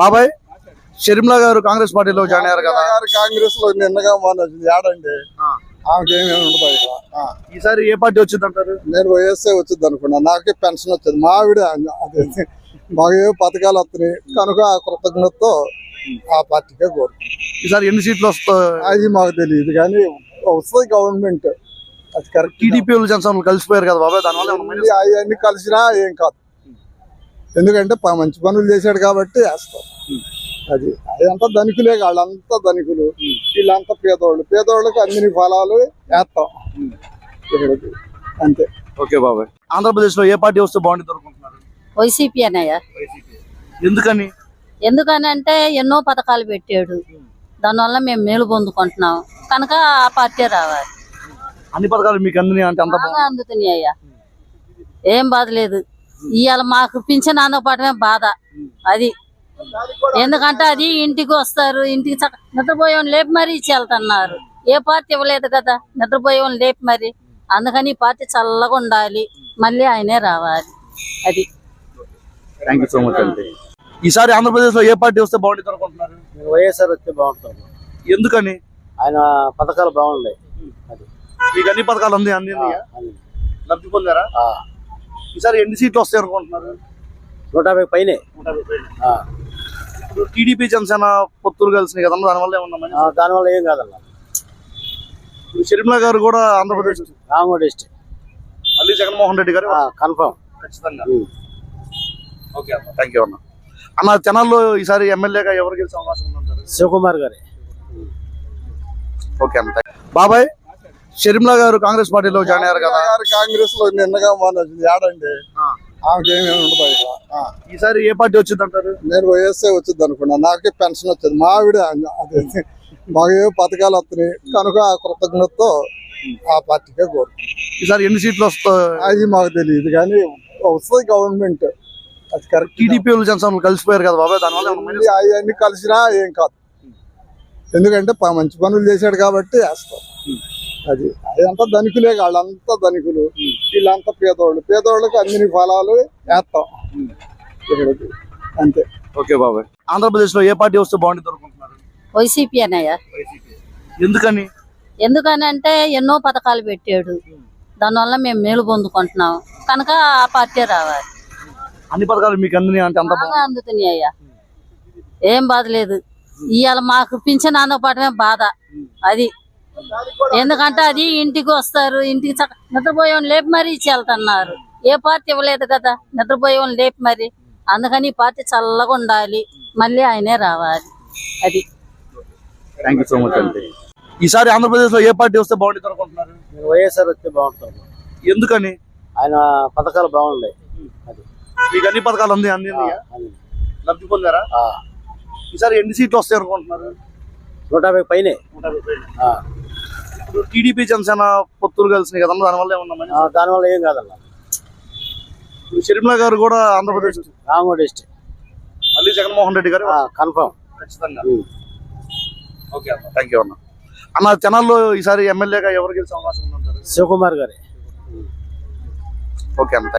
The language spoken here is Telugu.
బాబాయ్ షర్మిల గారు కాంగ్రెస్ పార్టీలో జాయిన్ అయ్యారు కదా. కాంగ్రెస్ లో నిన్నగా మొన్న ఏడండి ఆమెకేమీ ఉండదు ఇక్కడ. ఈసారి ఏ పార్టీ వచ్చింది అంటారు? నేను వైఎస్ఏ వచ్చింది అనుకున్నా. నాకే పెన్షన్ వచ్చింది. మా ఆవిడ అదే మాకు ఏ పథకాలు వస్తున్నాయి కనుక ఆ కృతజ్ఞతతో ఆ పార్టీకే కోరుకుంటాం. ఈసారి ఎన్ని సీట్లు వస్తాయి అది మాకు తెలియదు కానీ వస్తుంది గవర్నమెంట్. అది కరెక్ట్. టీడీపీ జనసేనలు కలిసిపోయారు కదా బాబాయ్, దానివల్ల అవన్నీ కలిసినా ఏం కాదు. ఎందుకంటే మంచి పనులు చేశాడు కాబట్టి వేస్తాం. అది అదంతా ధనికులే, వాళ్ళంతా ధనికులు, వీళ్ళంతా పేదోళ్ళకి అన్ని ఫలాలు వేస్తాం ఇక్కడికి అంతే. ఓకే బాబాయ్, ఆంధ్రప్రదేశ్ లో ఏ పార్టీ వస్తే బాగుంటుంది అనుకుంటున్నారు? వైసీపీ అన్నయ్య. ఎందుకని? ఎందుకనంటే ఎన్నో పథకాలు పెట్టాడు, దానివల్ల మేము మేలు పొందుకుంటున్నాం కనుక ఆ పార్టీ రావాలి. అన్ని పథకాలు మీకు అందినాయి అంటే అంత బాగా అందుతున్నాయి అయ్యా, ఏం బాధ లేదు. ఇవాళ మాకు పింఛన్ అందకపోవటమే బాధ. అది ఎందుకంటే అది ఇంటికి వస్తారు, ఇంటికి నిద్రపోయేవాళ్ళు లేపి మరీ ఇచ్చి వెళ్తున్నారు. ఏ పార్టీ ఇవ్వలేదు కదా నిద్రపోయేవాళ్ళు లేపి మరి. అందుకని ఈ పార్టీ చల్లగా ఉండాలి, మళ్ళీ ఆయనే రావాలి. అది. థ్యాంక్ యూ సో మచ్ అండి. ఈసారి ఆంధ్రప్రదేశ్ లో ఏ పార్టీ వస్తే బాగుంటుంది అనుకుంటున్నారు? వైఎస్ఆర్ వస్తే బాగుంటుంది. ఎందుకని? ఆయన పథకాలు బాగున్నాయి. మీకు అన్ని పథకాలు అన్ని లబ్ధి పొందారా? ఈసారి ఎన్ని సీట్లు వస్తాయి అనుకుంటున్నారు? 150 పైనే. ఇప్పుడు టీడీపీ జనసేన పొత్తులు కలిసినాయి కదా, దానివల్ల ఏమన్నా? దానివల్ల ఏం కాదన్న. షర్మిల గారు కూడా ఆంధ్రప్రదేశ్ రామగోడ డిస్ట్రిక్ట్ మళ్ళీ జగన్మోహన్ రెడ్డి గారు కన్ఫర్మ్ ఖచ్చితంగా. ఓకే అన్న, థ్యాంక్ యూ అన్న. అన్న తెనాల్లో ఈసారి ఎమ్మెల్యేగా ఎవరు గెలిచే అవకాశం ఉందంటారు? శివకుమార్ గారి. ఓకే అన్న. బాబాయ్ షర్మిల గారు కాంగ్రెస్ పార్టీలో జాయిన్ అయ్యారు కదా. కాంగ్రెస్ లో నిన్నగా మొన్న ఏడండి ఆమెకేమీ ఉండదు ఇక్కడ. ఈసారి ఏ పార్టీ వచ్చింది అంటారు? నేను వైఎస్ఏ వచ్చింది అనుకున్నా. నాకే పెన్షన్ వచ్చింది. మా ఆవిడ అదే మాకు ఏ పథకాలు వస్తున్నాయి కనుక ఆ కృతజ్ఞతతో ఆ పార్టీకే కోరుకుంటాం. ఈసారి ఎన్ని సీట్లు వస్తాయి అది మాకు తెలియదు కానీ వస్తుంది గవర్నమెంట్. అది కరెక్ట్. టీడీపీ జనసేనలు కలిసిపోయారు కదా బాబాయ్, దానివల్ల అవన్నీ కలిసినా ఏం కాదు. ఎందుకంటే మంచి పనులు చేశాడు కాబట్టి వేస్తాం. అది అదంతా ధనికులే, వాళ్ళంతా ధనికులు, వీళ్ళంతా పేదోళ్ళకి అన్ని ఫలాలు వేస్తాం ఇక్కడికి అంతే. ఓకే బాబాయ్, ఆంధ్రప్రదేశ్ లో ఏ పార్టీ వస్తే బాగుంటుంది అనుకుంటున్నారు? వైసీపీ అన్నయ్య. ఎందుకని? ఎందుకనంటే ఎన్నో పథకాలు పెట్టాడు, దానివల్ల మేము మేలు పొందుకుంటున్నాం కనుక ఆ పార్టీ రావాలి. అన్ని పథకాలు మీకు అందినాయి అంటే అంత బాగా అందుతున్నాయి అయ్యా, ఏం బాధ లేదు. ఇవాళ మాకు పింఛన్ అందకపోవటమే బాధ. అది ఎందుకంటే అది ఇంటికి వస్తారు, ఇంటికి నిద్రపోయేవాళ్ళు లేపి మరీ ఇచ్చి వెళ్తున్నారు. ఏ పార్టీ ఇవ్వలేదు కదా నిద్రపోయేవాళ్ళు లేపి మరి. అందుకని ఈ పార్టీ చల్లగా ఉండాలి, మళ్ళీ ఆయనే రావాలి. అది. థ్యాంక్ యూ సో మచ్ అండి. ఈసారి ఆంధ్రప్రదేశ్ లో ఏ పార్టీ వస్తే బాగుంటుంది అనుకుంటున్నారు? వైఎస్ఆర్ వస్తే బాగుంటుంది. ఎందుకని? ఆయన పథకాలు బాగున్నాయి. మీకు అన్ని పథకాలు అన్ని లబ్ధి పొందారా? ఈసారి ఎన్ని సీట్లు వస్తాయి అనుకుంటున్నారు? 150 పైనే. ఇప్పుడు టీడీపీ జనసేన పొత్తులు కలిసినాయి కదా, దానివల్ల ఏమన్నా? దానివల్ల ఏం కాదన్న. షర్మిల గారు కూడా ఆంధ్రప్రదేశ్ రామగోడ డిస్ట్రిక్ట్ మళ్ళీ జగన్మోహన్ రెడ్డి గారు కన్ఫర్మ్ ఖచ్చితంగా. ఓకే అన్న, థ్యాంక్ యూ అన్న. అన్న తెనాల్లో ఈసారి ఎమ్మెల్యేగా ఎవరు గెలిచే అవకాశం ఉందంటారు? శివకుమార్ గారి. ఓకే అన్న.